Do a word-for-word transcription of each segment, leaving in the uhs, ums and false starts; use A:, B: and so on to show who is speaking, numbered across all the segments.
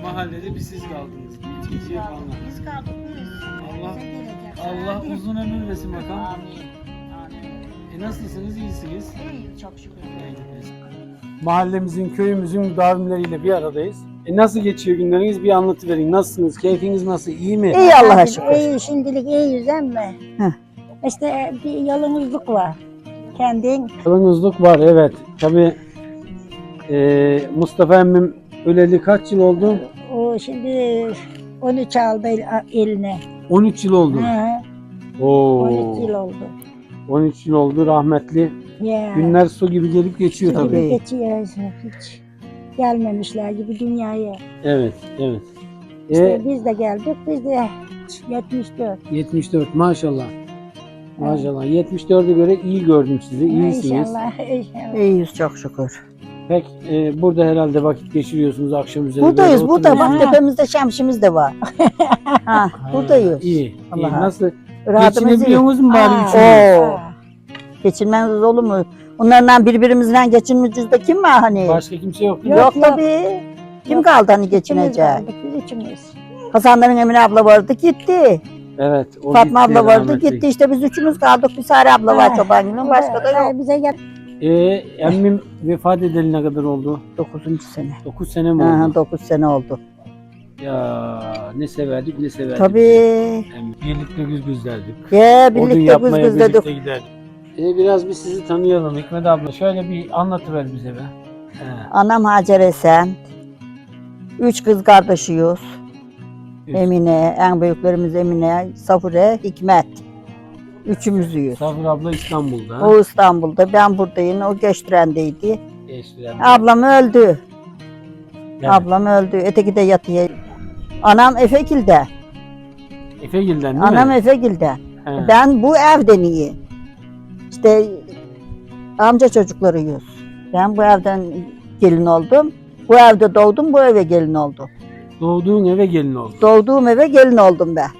A: mahallede bir siz kaldınız.
B: Biz
A: İkinci
B: kaldık,
A: yapanlar.
B: biz kaldık biz.
A: Allah
B: Bize gelecek.
A: Allah
B: Amin.
A: uzun ömür versin bakalım.
B: Amin. Amin.
A: E nasılsınız? İyisiniz.
B: İyi, çok şükür.
A: Mahallemizin, köyümüzün müdavimleriyle bir aradayız. E nasıl geçiyor günleriniz? Bir anlatıverin. Nasılsınız? Keyfiniz nasıl? İyi mi?
C: İyi Allah'a
B: Hadi,
C: şükür.
B: İyi, şimdilik iyiyiz ama
C: Heh.
B: işte bir yalnızlık var. Kendin
A: Yalnızlık var, evet. Tabii e, Mustafa emmim öleli kaç yıl oldu?
B: o şimdi on üç aldı el- eline.
A: on üç yıl oldu.
B: Hı,
A: Oo.
B: on üç yıl oldu.
A: on üç yıl oldu rahmetli.
B: Ya.
A: Günler su gibi gelip geçiyor
B: Gibi
A: tabii.
B: geçiyor hiç gelmemişler gibi dünyaya.
A: Evet, evet.
B: İşte
A: E,
B: biz de geldik, biz de yetmiş dört.
A: yetmiş dört maşallah. Maşallah. yetmiş dörde göre iyi gördüm sizi. İyisiniz.
B: İnşallah, inşallah.
C: İyiyiz çok şükür.
A: Pek e, burada herhalde vakit geçiriyorsunuz akşam üzeri.
C: Buradayız,
A: böyle
C: burada bak
A: oturuyorsunuz.
C: tepemizde şemsimiz de var. ha, buradayız.
A: İyi. iyi.
C: Allah'a.
A: Nasıl?
C: Rahatımız iyi.
A: Geçinebiliyor musun bari
B: Aa,
A: üçünüz?
C: Oo. Geçinmeniz olur mu? Onlarla birbirimizle geçinmeyeceğiz de kim var hani?
A: Başka kimse yok.
C: Yok,
B: Yok, yok.
C: tabii. Kim
B: Yok.
C: kaldı hani
B: Üçümüz
C: geçinecek?
B: kaldık, biz üçümüz.
C: Hasanların Emine abla vardı gitti.
A: Evet. O
C: Fatma
A: gitti,
C: abla vardı
A: rahmetli.
C: gitti. İşte biz üçümüz kaldık. Bir Sare abla var
B: Ha,
C: Çobanlı'nın. Başka da yok.
B: Bize gel.
A: E, emmim vefat edeli ne kadar oldu?
C: Dokuzuncu sene.
A: dokuz sene mi oldu?
C: Aha, dokuz sene oldu.
A: Ya ne severdik ne severdik.
C: Tabii.
A: Emmi. Birlikte güz güzlerdik.
C: Ya
A: Odun
C: birlikte güz
A: yapmaya
C: güz dedik.
A: birlikte giderdik. E, biraz bir sizi tanıyalım Hikmet abla. Şöyle bir anlatıver bize be. He.
C: Anam Hacer Esen. Üç kız kardeşiyiz.
A: Üç.
C: Emine, en büyüklerimiz Emine, Safure, Hikmet. Üçümüzüyüz.
A: Safır abla İstanbul'da.
C: O İstanbul'da, ben buradayım. O Göçtüren'deydi.
A: Eşliren.
C: Ablam öldü.
A: Evet.
C: Ablam öldü. Öteki de yatıyor. Anam Efekil'de.
A: Efegil'den değil
C: Anam
A: mi?
C: Efekil'de.
A: He.
C: Ben bu evden iyi. İşte amca çocuklarıyız. Ben bu evden gelin oldum. Bu evde doğdum, bu eve gelin oldum.
A: Doğduğun eve gelin oldu.
C: Doğduğum eve gelin oldum ben.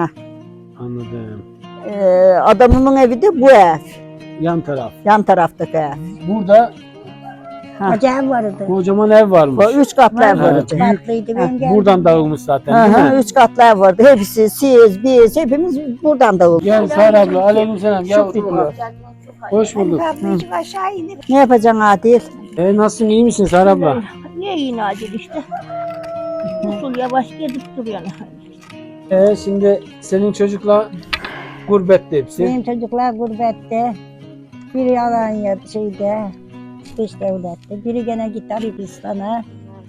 A: Anladım.
C: Ee, adamımın evi de bu ev.
A: Yan taraf.
C: Yan taraftaki ev.
A: Burada
C: Ha.
B: Acayip vardı.
A: kocaman ev varmış.
C: Bu üç katlı ev
A: Evet.
C: vardı.
B: Tatlıydı ben geldim.
A: Buradan dağılmış zaten
C: Hı
A: değil
C: hı,
A: mi?
C: üç katlı ev vardı. Hepsi, siz, biz, hepimiz buradan dağıldık.
A: Gel Sara abla, aleykümselam. Gel
C: Şükür
A: otur
C: diyor.
A: bakalım. Hoş bulduk.
B: Kaplıcık aşağı inir.
C: Ne yapacaksın Adil?
A: E, nasılsın, iyi misin Sara abla?
B: Niye yine acil işte? Usul yavaş gidip duruyor.
A: E, şimdi senin çocukla gurbette hepsi.
B: Benim çocuklar gurbette. Biri Alanya şeyde. Dış devlette. Biri gene gitti Arabistan'a.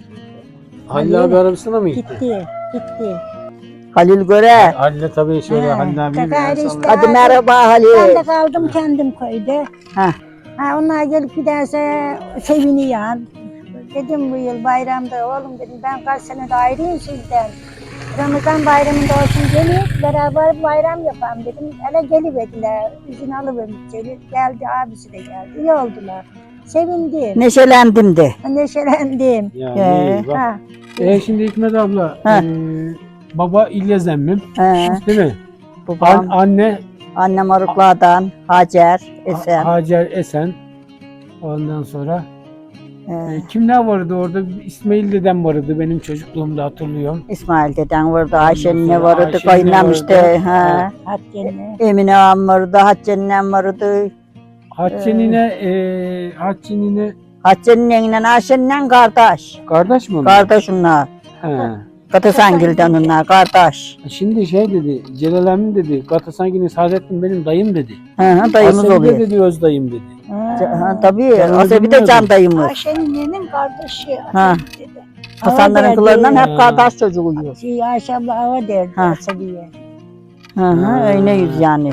A: Halil abi Arabistan'a mı gitti?
B: Gitti. Gitti.
C: Halil Göre.
A: Halil'e tabii şöyle
B: Ha,
A: Halil abi bir
B: Kakari
A: el
B: işte.
A: salla.
C: Hadi merhaba
B: Ben de
C: Halil.
B: kaldım kendim köyde.
C: Ha.
B: Ha, onlar gelip giderse seviniyor. Dedim bu yıl bayramda oğlum dedim ben kaç sene de ayrıyım sizden. Ramazan bayramında olsun gelip beraber bayram yapalım dedim. Hele geliverdiler. İzin alıvermiş içeri. Geldi abisi de geldi. İyi oldular. Sevindim.
C: Neşelendim de.
B: Neşelendim.
A: Ya
C: Ee,
A: iyi bak.
B: Ha.
A: E, şimdi Hikmet abla,
C: Ha.
A: e, baba İlyas emmim
C: He,
A: değil mi? An,
C: babam,
A: anne
C: annem Arıklağ'dan, Hacer, Esen.
A: Ha- Hacer Esen. Ondan sonra
C: He,
A: e, kimler vardı orada? İsmail dedem vardı benim çocukluğumda hatırlıyorum.
C: İsmail deden vardı, Ayşe'nin
A: sonra
C: vardı,
A: Ayşe'nin
C: kayınlam
A: vardı.
C: işte.
A: Ha.
C: He.
B: Hakkını.
C: Emine ağam vardı, Hatice'nin em vardı.
A: Hatice'nine e, Hatice'nine
C: Hatice'nin enine, Ayşe'nin kardeş.
A: kardeş mi onlar?
C: Kardeş onlar.
A: He.
C: Katasangil'den onlar, kardeş.
A: Şimdi şey dedi, Celal emmi dedi, Gatasangi'nin Saadettin benim dayım dedi.
C: Hı hı, dayımız
A: Asabi de
C: oluyor.
A: dedi öz dayım dedi.
C: Ha, ha, tabii,
A: Ben onu
C: Asabi de
A: bilmiyordum.
C: can dayımız.
B: Ayşe'nin kardeşi.
C: Ha.
B: dedi.
C: Hasanların
B: Hava
C: kızlarından
B: derdi.
C: hep kardeş çocuğuyuz.
B: Şey, Ayşe abla hava derdi
C: Ha.
B: Asabiye.
C: Hı hı,
A: Ha.
C: öyleyiz yani.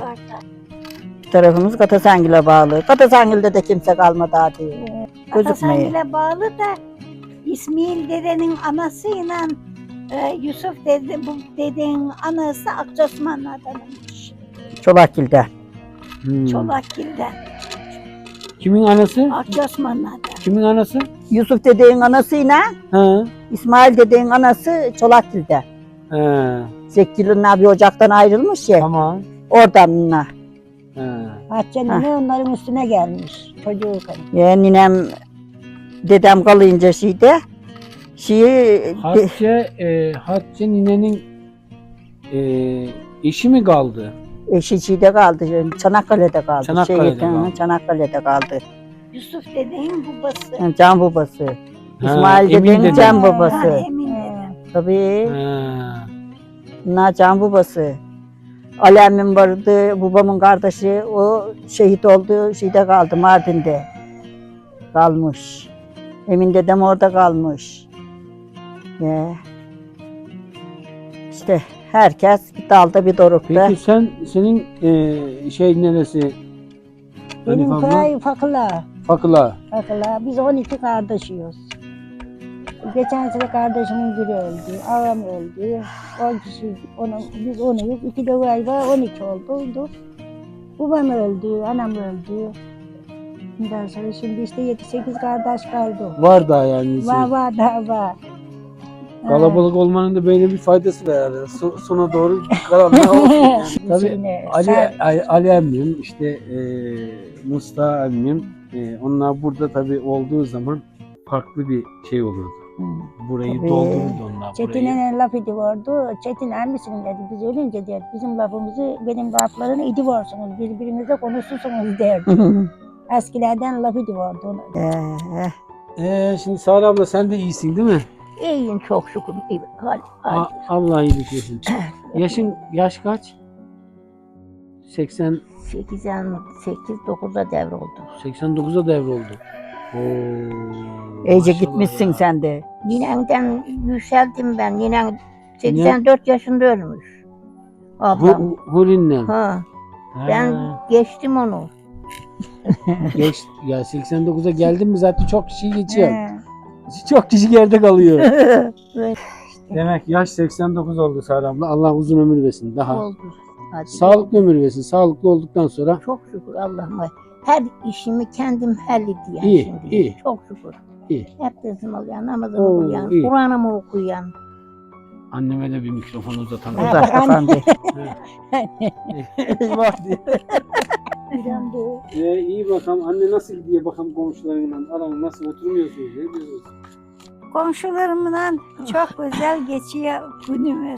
C: Bir tarafımız Katasangil'e bağlı. Katasangil'de de kimse kalmadı hadi. Gözükmeye.
B: Atasangil'e bağlı da İsmail dedenin anasıyla e, Yusuf dede, bu dedenin anası Akçosmanlı'danmış.
C: Çolakgil'de.
A: Hmm.
B: Çolakgil'den.
A: Kimin anası?
B: Akçosmanlı'dan.
A: Kimin anası?
C: Yusuf dedeğin anasıyla
A: Ha.
C: İsmail dedeğin anası Çolakgil'de.
A: He.
C: Zekil'in abi ocaktan ayrılmış ya.
A: Tamam.
C: Oradan ona.
A: He.
B: Hatice'nin onların üstüne gelmiş çocuğu kadın.
C: Ya ninem dedem kalınca şeyde Şeyi
A: Hatice, e, Hatice ninenin e, eşi mi kaldı?
C: eşi şeyde kaldı. Çanakkale'de kaldı.
A: Çanakkale'de
C: Şehit, hı,
A: kaldı.
C: Çanakkale'de kaldı.
B: Yusuf dedeğin babası.
C: Yani can babası.
A: Ha,
C: İsmail
A: Emin
C: dedenin
A: dede.
C: can
B: Ha,
C: babası.
B: Emin dede.
C: Tabii.
A: Ha.
C: Bunlar can babası. Ali emmim vardı, babamın kardeşi, o şehit oldu, şeyde kaldı, Mardin'de kalmış. Emin dedem orada kalmış. Ya. İşte herkes bir dalda bir dorukta.
A: Peki sen, senin e, şey neresi?
B: Benim
A: Elif abla?
B: köy Fakıla.
A: Fakıla.
B: Fakıla. Biz on iki kardeşiyiz. Geçen sene kardeşimin biri öldü, ağam öldü. on kişi, onu, biz onuyuz. İki de galiba on iki oldu. Babam öldü, anam öldü. Ondan sonra şimdi işte yedi sekiz kardeş kaldı.
A: Var da yani.
B: Var var daha var.
A: Kalabalık olmanın da böyle bir faydası var herhalde. So- sona doğru kalanlar olsun yani. Tabii
B: Yine
A: Ali,
B: sen-
A: Ali, Ali emmim, işte e, Mustafa emmim, e, onlar burada tabii olduğu zaman farklı bir şey olurdu. Burayı
C: Tabii.
A: doldururdu onlar burayı.
B: Çetin'in laf ediyordu. Çetin emmisin dedi. Biz ölünce der. Bizim lafımızı benim laflarını ediyorsunuz. Birbirinize konuşursunuz derdi. Eskilerden laf ediyordu ona.
C: Ee,
A: Ee, şimdi Sara abla sen de iyisin değil mi?
B: İyiyim çok şükür. İyi. Hadi, hadi.
A: A- Allah iyilik versin. Yaşın yaş kaç? seksen
B: seksen sekiz dokuzda devroldu.
A: seksen dokuza devroldu. Oo.
C: iyice
A: maşallah
C: gitmişsin
A: ya.
C: sen de.
D: Ninenden yükseldim ben. Ninen seksen dört yaşında ölmüş. Ablam.
A: Hu- Hurin'le.
D: Ha,
A: Ha,
D: ben geçtim onu.
A: geç ya seksen dokuza geldin mi zaten çok kişi geçiyor.
B: He.
A: Çok kişi geride kalıyor.
D: Evet.
A: Demek yaş seksen dokuz oldu Sara abla. Allah uzun ömür versin daha.
D: Oldu. Hadi.
A: Sağlıklı ömür versin. Sağlıklı olduktan sonra
D: Çok şükür Allah'ıma. Her işimi kendim hallediyorum
A: İyi,
D: şimdi.
A: iyi.
D: Çok şükür.
A: İyi.
D: Hep dersimi alıyorum, namazımı
A: Oo,
D: okuyan,
A: iyi.
D: Kur'an'ımı okuyan.
A: anneme de bir mikrofon uzatalım.
B: Ha,
C: Uzak
B: bak anne.
C: efendi.
A: Eyvah diye.
B: Bilmem de.
A: Ee, iyi bakalım. Anne nasıl gidiyor bakalım komşularınla? Aran nasıl oturmuyorsunuz? Ne diyorsunuz?
E: Komşularımla çok güzel geçiyor günümüz.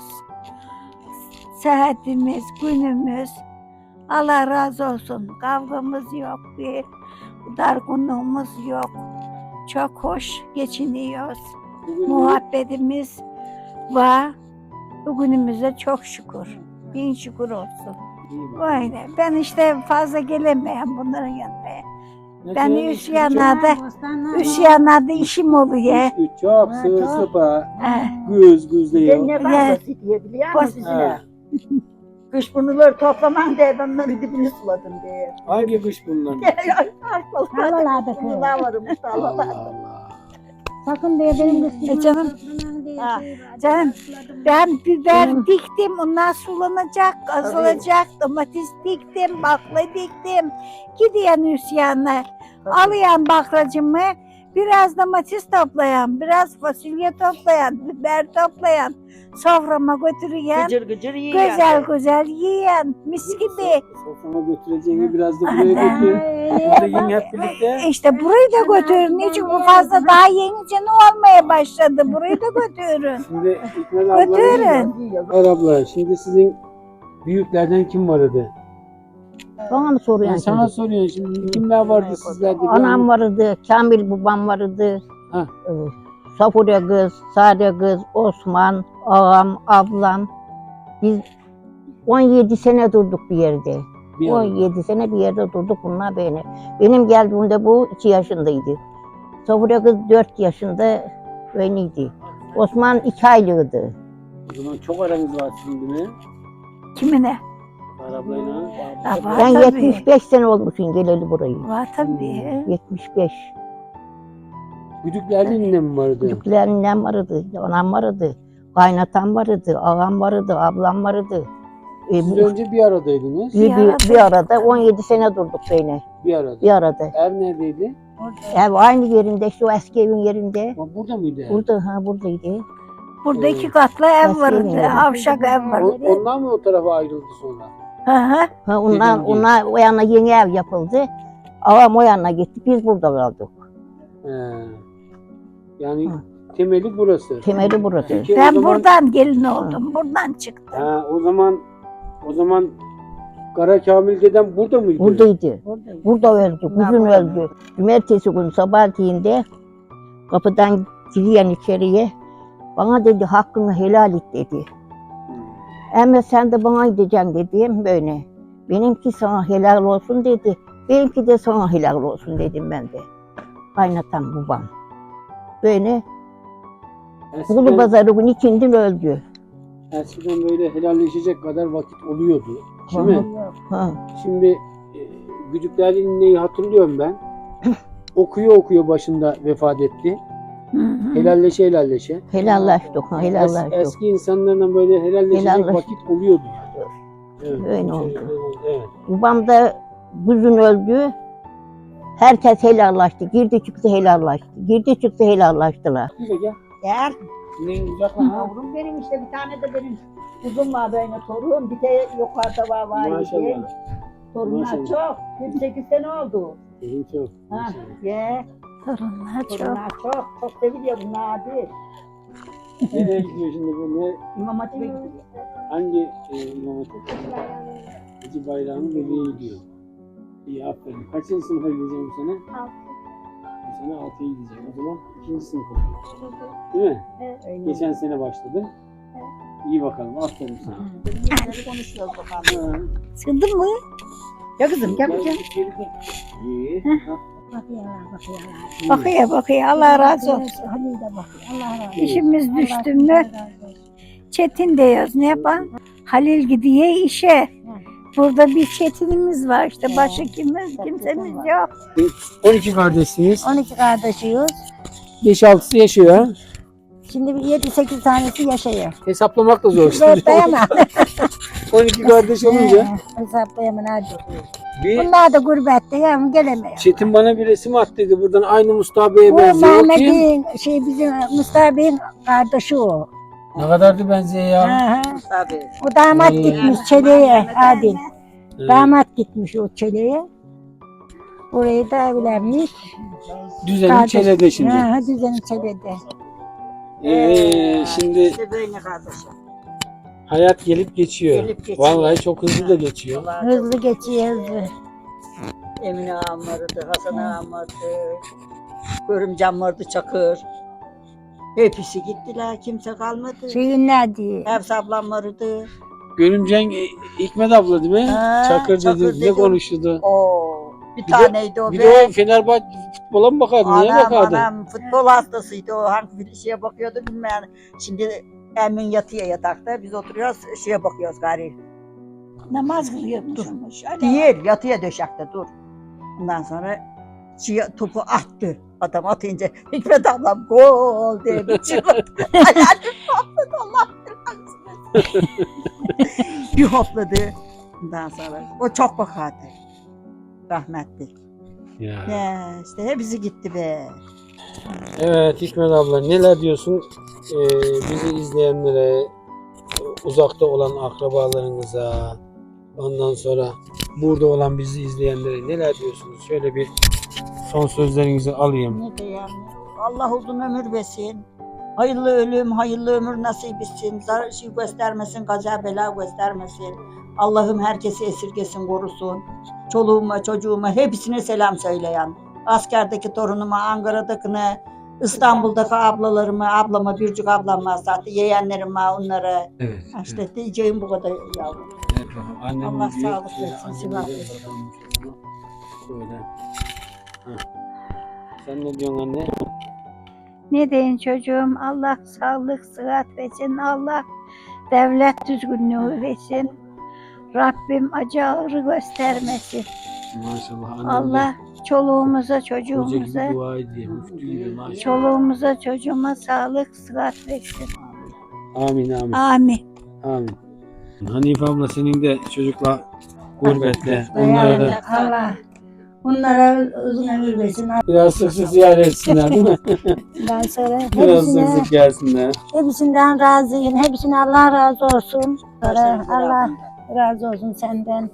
E: Saatimiz, günümüz. Allah razı olsun. Kavgamız yok, bir dargınlığımız yok. Çok hoş geçiniyoruz.
A: Bugün
E: Muhabbetimiz var. Bugünümüze çok şükür. Bin şükür olsun.
A: iyi bakalım.
E: Öyle. Ben işte fazla gelemeyen bunların yanına.
A: Ne
E: Ben
A: diyorsun?
E: üç yanlarda,
B: Bostanlar
E: üç
B: var.
E: yanlarda işim oluyor.
A: Üç, üç, çok
B: Ha,
A: sığır
B: çok.
A: sıpa.
E: Eh,
A: Göz gözleyiyor.
C: Ne
E: var
C: diye biliyor
E: musun
C: musun
A: Ha.
C: Kış bunları toplaman diye ben onları dibini suladım diye.
A: Hangi kış bunlar?
B: Havalarda kız.
C: Bunlar varmış
A: Allah
C: Allah.
A: Allah.
B: Sakın diye benim kızım.
E: E canım,
C: Ha,
E: canım, ben biber diktim, onlar sulanacak, azalacak, domates diktim, bakla diktim. Gidiyen Hüsyan'la, alayan baklacımı, biraz domates toplayan, biraz fasulye toplayan, biber toplayan, soframa götürüyen,
C: Gıcır gıcır yiyor.
E: güzel güzel yiyen, mis gibi.
A: Soframa götüreceğini biraz da buraya götür. Burada yiyin hep birlikte.
E: İşte burayı da götürün, niçin bu fazla daha yeni canı olmaya başladı, burayı da götürün.
A: Şimdi İkmel abla.
E: Götürün.
A: İkmel abla şimdi sizin büyüklerden kim vardı?
D: Bana mı
A: Ben
D: soruyorsun
A: sana
D: şimdi?
A: soruyorum şimdi kimler vardı sizlerde? Bir
D: Anam
A: anlat.
D: vardı, Kamil babam vardı.
A: Ha.
D: Ee, Safurya kız, Sade kız, Osman, ağam, ablam. Biz on yedi sene durduk bir yerde.
A: Bir
D: on
A: anlat.
D: yedi sene bir yerde durduk bunlar beni. Benim geldiğimde bu iki yaşındaydı. Safurya kız dört yaşında öyleydi. Osman iki aylıydı.
A: O zaman çok aranız var şimdi mi?
E: Kimine?
A: Sara ablayla.
E: Ya var
D: Ben
E: tabii.
D: yetmiş beş sene olmuşum geleli burayı.
E: Var tabii.
D: yetmiş beş.
A: Güdüklerinin ne mi vardı?
D: Çocuklarım vardı, anam vardı, kaynatam vardı, ağam vardı, ablam vardı. E,
A: Siz
D: bu-
A: önce bir aradaydınız.
D: bir, bir, bir arada on yedi sene durduk beni.
A: Bir arada.
D: Bir arada.
A: Ev neredeydi?
D: Ev aynı yerinde, şu eski evin yerinde.
A: Ha, burada mıydı ev?
D: Burada, ha buradaydı.
E: Burada
A: Ee,
E: iki katlı ev
D: Nasıl
E: vardı,
D: yani?
E: avşak ev
A: O-
E: vardı.
A: Ondan mı o tarafa ayrıldı sonra?
E: Hı hı.
D: Ha, onlar,
A: Dediğim gibi.
D: onlar o yana yeni ev yapıldı. Ağam o yana gitti, biz burada kaldık.
A: He. Yani
D: Hı.
A: temeli burası.
D: Temeli burası.
A: Peki o
E: Ben
A: zaman,
E: buradan gelin oldum. Buradan çıktım.
A: ha, o zaman o zaman Kara Kamil dedem burada mıydı?
D: Buradaydı. Burada öldü. Kuzun öldü. Cumartesi günü sabahleyin kapıdan giriyen içeriye bana dedi hakkını helal et dedi. Ama sen de bana gideceksin dedim böyle. Benimki sana helal olsun dedi. Benimki de sana helal olsun dedim ben de. Kaynatan babam. Böyle Kulu
A: Eskiden,
D: pazarı günü ikindin öldü.
A: eskiden böyle helalleşecek kadar vakit oluyordu. Değil mi?
D: Ha.
A: Şimdi e, Güdükler'in neyi hatırlıyorum ben. Okuyor okuyor başında vefat etti.
E: Hı hı.
A: Helalleşe helalleşe.
D: Helallaştık, ha,
A: Es,
D: helallaştık.
A: eski insanlarla böyle helalleşecek
D: Helalleş-
A: vakit oluyordu yani. Evet,
D: Öyle
A: şey,
D: oldu.
A: Evet.
D: Babam da kuzun öldü. Herkes helallaştı. Girdi çıktı helallaştı. Girdi çıktı helallaştılar.
A: Gel gel.
C: Gel.
A: Ne uzaklaşma.
C: Yavrum benim işte bir tane de benim kuzum var böyle torun. Bir de yukarıda var var.
A: Maşallah.
C: Torunlar
A: Maşallah.
C: çok. yirmi sekiz sene oldu.
A: Benim çok.
C: Ha,
A: Maşallah.
C: ye.
E: Torunlar çok.
C: Torunlar çok. Çok seviliyor bunlar abi.
A: Nereye gidiyor şimdi bu? Ne?
C: İmam Hatip'e gidiyor.
A: Hangi e, imam hatip? Hacı Bayrağı'nın bebeği gidiyor. İyi aferin. Kaçıncı sınıfa gideceğim bu sene?
B: Altı.
A: Bu sene altıya gideceğim. O zaman ikinci sınıfa gidiyor. Değil mi?
C: Öyle.
A: Geçen sene başladın. İyi bakalım. Aferin sana.
C: Bunları konuşuyoruz bakalım.
A: Ha.
E: Sıkıldın mı?
C: Ya kızım gel gel.
A: İyi.
B: Bakıyorlar, bakıyorlar.
A: İyi.
E: Bakıyor bakıyor. Allah razı olsun.
B: Halil de bakıyor. Allah razı olsun.
E: İşimiz düştü
B: Allah
E: mü?
B: razı olsun.
E: Çetin diyoruz. Ne yapalım? Halil gidiyor işe. Burada bir Çetin'imiz var işte. Başka kimimiz, kimsemiz yok.
A: on iki kardeşsiniz.
B: on iki kardeşiyiz.
A: beş altısı yaşıyor ha.
B: Şimdi bir yedi sekiz tanesi yaşıyor.
A: Hesaplamak da zor.
B: Hesaplayamam.
A: on iki kardeş olunca.
B: Hesaplayamam hadi.
A: Bir
B: Bunlar da gurbette yani gelemiyor.
A: Çetin bana bir resim attıydı. Buradan aynı Mustafa Bey'e
B: Bu
A: benziyor. O kim?
B: Mehmet'in şey bizim Mustafa Bey'in kardeşi o.
A: Ne kadardı benziyor ya.
B: Hı hı.
C: Tabii.
B: O damat
A: Hmm.
B: gitmiş Çele'ye Adil.
A: Evet.
B: Damat gitmiş o Çele'ye. Orayı da evlenmiş.
A: Düzenin
B: Kardeş-
A: çelede şimdi.
B: Hı hı, düzenin Çele'de.
A: Ee, şimdi
C: İşte böyle kardeşim.
A: hayat gelip geçiyor.
C: Gelip geçiyor.
A: Vallahi çok hızlı da geçiyor.
B: Hızlı geçiyor hızlı.
C: Emine ağam vardı, Hasan ağam vardı. Görümcem vardı Çakır. Hepsi gittiler, kimse kalmadı.
B: Şeyin ne diye.
C: Hepsi ablam vardı.
A: Görümcen e, Hikmet abla değil mi?
C: Ha,
A: Çakır
C: Çakır
A: dedi. Ne
C: dedi.
A: konuştu?
C: Oo, bir,
A: Bir de-
C: taneydi o
A: Bir
C: be.
A: de o Fenerbahçe futbola mı bakardı? Neye
C: Anam
A: bakardı?
C: anam futbol hastasıydı o, hangi bir şeye bakıyordu bilmem. Şimdi Emin yatıyor yatakta, biz oturuyoruz şeye bakıyoruz gari.
E: Namaz kılıyormuşmuş.
C: Değil, yatıyor döşekte dur. Ondan sonra şeye, topu attı. Adam atınca Hikmet ablam gol diye bir çığlık. Hayalim hopladı Allah bilir. Bir hopladı. Ondan sonra o çok bakardı. Rahmetli.
A: Ya.
C: Ya işte hepsi gitti be.
A: Evet Hikmet abla neler diyorsun Ee, bizi izleyenlere, uzakta olan akrabalarınıza, ondan sonra burada olan bizi izleyenlere neler diyorsunuz? Şöyle bir son sözlerinizi alayım.
C: Ne diyeyim? Allah uzun ömür versin. Hayırlı ölüm, hayırlı ömür nasip etsin. Zarar şey göstermesin, kaza bela göstermesin. Allah'ım herkesi esirgesin, korusun. Çoluğuma, çocuğuma hepsine selam söyleyen. Askerdeki torunuma, Ankara'dakine, İstanbul'daki ablalarıma, ablama, Bircik ablamma, zaten yeğenlerime, onlara.
A: Evet.
C: İşte diyeceğim bu kadar yavrum.
A: Evet, annem
C: Allah
A: diyor,
C: sağlık
A: şöyle
C: versin,
A: annem
C: sıhhat
A: diyor,
C: versin.
A: babam çocuğuna. Şöyle. Heh. Sen ne diyorsun anne?
E: Ne deyin çocuğum? Allah sağlık, sıhhat versin. Allah devlet düzgünlüğü versin. Rabbim acı ağrı göstermesin.
A: Maşallah annem
E: Allah çoluğumuza,
A: de hoca
E: çocuğumuza,
A: gibi dua ediyor, müftü gibi maşallah.
E: çoluğumuza, çocuğuma sağlık, sıhhat versin.
A: Amin amin.
E: Amin.
A: Amin. Hanife abla senin de çocukla gurbette. Onlara da
B: Allah onlara uzun ömür versin.
A: biraz sık sık ziyaret etsinler değil mi?
B: Ondan sonra
A: Biraz sık
B: hepsine,
A: sık gelsinler.
B: hepsinden razıyım. Hepsine Allah razı olsun. Sonra
C: Başlarınızı
B: Allah
C: Rabbim.
B: razı olsun senden.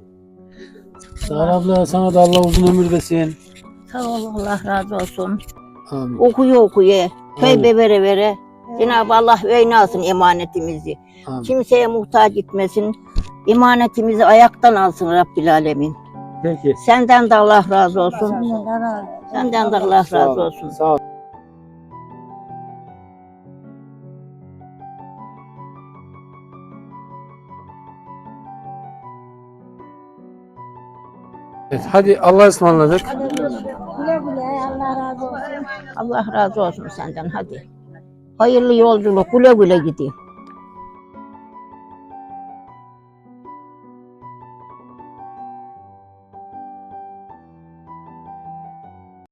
A: Sağ ol abla sana da Allah uzun ömür versin.
D: Sağ ol Allah razı olsun.
A: Amin.
D: Okuyor okuyor. Tövbe vere vere. Cenab-ı Allah öyle alsın emanetimizi.
A: Amin.
D: Kimseye muhtaç etmesin. Emanetimizi ayaktan alsın Rabbil Alemin.
A: Peki.
D: Senden de Allah razı olsun.
B: Senden razı.
D: Senden de Allah
A: Sağ
D: razı
A: ol,
D: olsun.
A: Sağ ol. Evet, hadi Allah'a ısmarladık.
B: Güle güle Allah razı olsun.
D: Allah razı olsun senden hadi. Hayırlı yolculuk, güle güle gidin.